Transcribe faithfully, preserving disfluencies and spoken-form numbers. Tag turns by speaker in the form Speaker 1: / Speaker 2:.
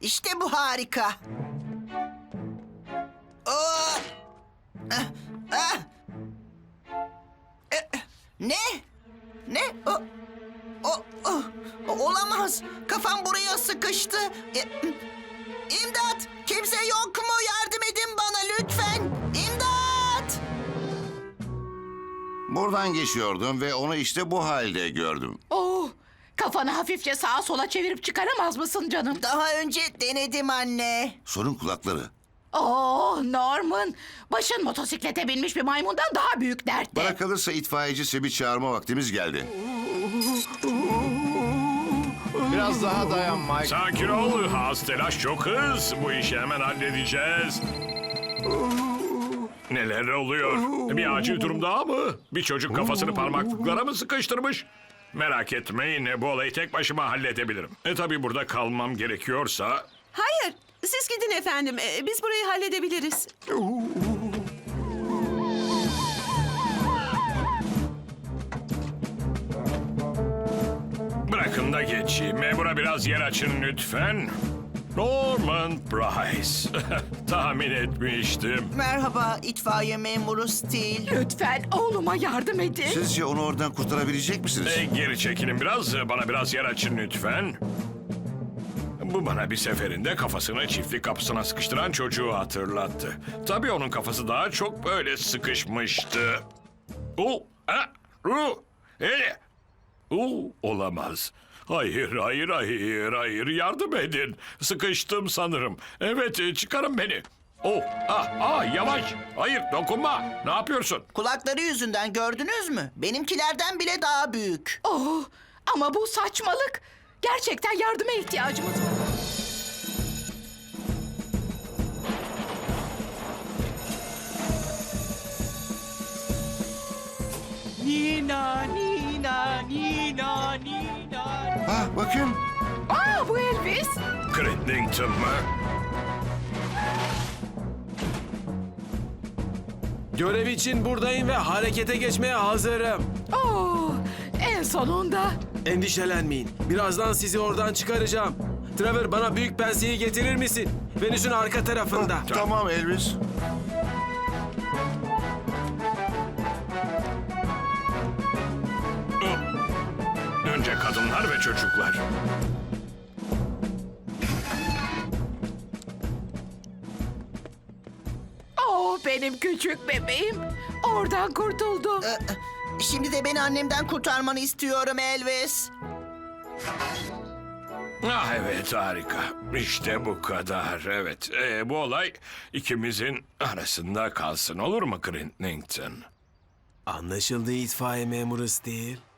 Speaker 1: İşte bu harika. Oo! Ah, ah! E, Ne? Ne? O, o, o, olamaz. Kafam buraya sıkıştı. E, İmdat! Kimse yok mu? Yardım edin bana lütfen. İmdat!
Speaker 2: Buradan geçiyordum ve onu işte bu halde gördüm.
Speaker 3: Oh, kafanı hafifçe sağa sola çevirip çıkaramaz mısın canım?
Speaker 1: Daha önce denedim anne.
Speaker 2: Sorun kulakları.
Speaker 3: Oh Norman, başın motosiklete binmiş bir maymundan daha büyük dertte.
Speaker 2: Bana kalırsa itfaiyeci Seb'i çağırma vaktimiz geldi.
Speaker 4: Biraz daha dayan Mike.
Speaker 5: Sakin ol, az telaş çok hız. Bu işi hemen halledeceğiz. Neler oluyor? Bir acil durum daha mı? Bir çocuk kafasını parmaklıklara mı sıkıştırmış? Merak etmeyin, bu olayı tek başıma halledebilirim. E tabii burada kalmam gerekiyorsa...
Speaker 6: Hayır, siz gidin efendim. Ee, Biz burayı halledebiliriz.
Speaker 5: Bırakın da geçeyim. Memura biraz yer açın lütfen. Norman Price. Tahmin etmiştim.
Speaker 1: Merhaba itfaiye memuru Steel.
Speaker 3: Lütfen oğluma yardım edin.
Speaker 2: Sizce onu oradan kurtarabilecek misiniz?
Speaker 5: E, geri çekilin biraz. Bana biraz yer açın lütfen. Bu bana bir seferinde kafasını çiftlik kapısına sıkıştıran çocuğu hatırlattı. Tabii onun kafası daha çok böyle sıkışmıştı. O, ha, ru, e, o, olamaz. Hayır, hayır, hayır, hayır. Yardım edin. Sıkıştım sanırım. Evet, e, çıkarın beni. Oh, ah, ah, yavaş. Hayır, dokunma. Ne yapıyorsun?
Speaker 1: Kulakları yüzünden gördünüz mü? Benimkilerden bile daha büyük.
Speaker 3: Oh, ama bu saçmalık. Gerçekten yardıma ihtiyacımız var.
Speaker 7: Nina, Nina, Nina, Nina.
Speaker 2: Ha bakın.
Speaker 3: Aa, bu Elvis.
Speaker 5: Crittington mı?
Speaker 4: Görev için buradayım ve harekete geçmeye hazırım.
Speaker 3: Oh, en sonunda.
Speaker 4: Endişelenmeyin. Birazdan sizi oradan çıkaracağım. Trevor, bana büyük penseyi getirir misin? Venüs'ün arka tarafında.
Speaker 2: Tamam Elvis.
Speaker 5: Önce kadınlar ve çocuklar.
Speaker 3: Oh, benim küçük bebeğim. Oradan kurtuldu.
Speaker 1: Ee, Şimdi de beni annemden kurtarmanı istiyorum Elvis.
Speaker 5: Ah evet, harika. İşte bu kadar. Evet, Ee, bu olay ikimizin arasında kalsın, olur mu Crittington?
Speaker 4: Anlaşıldı itfaiye memuru Steel.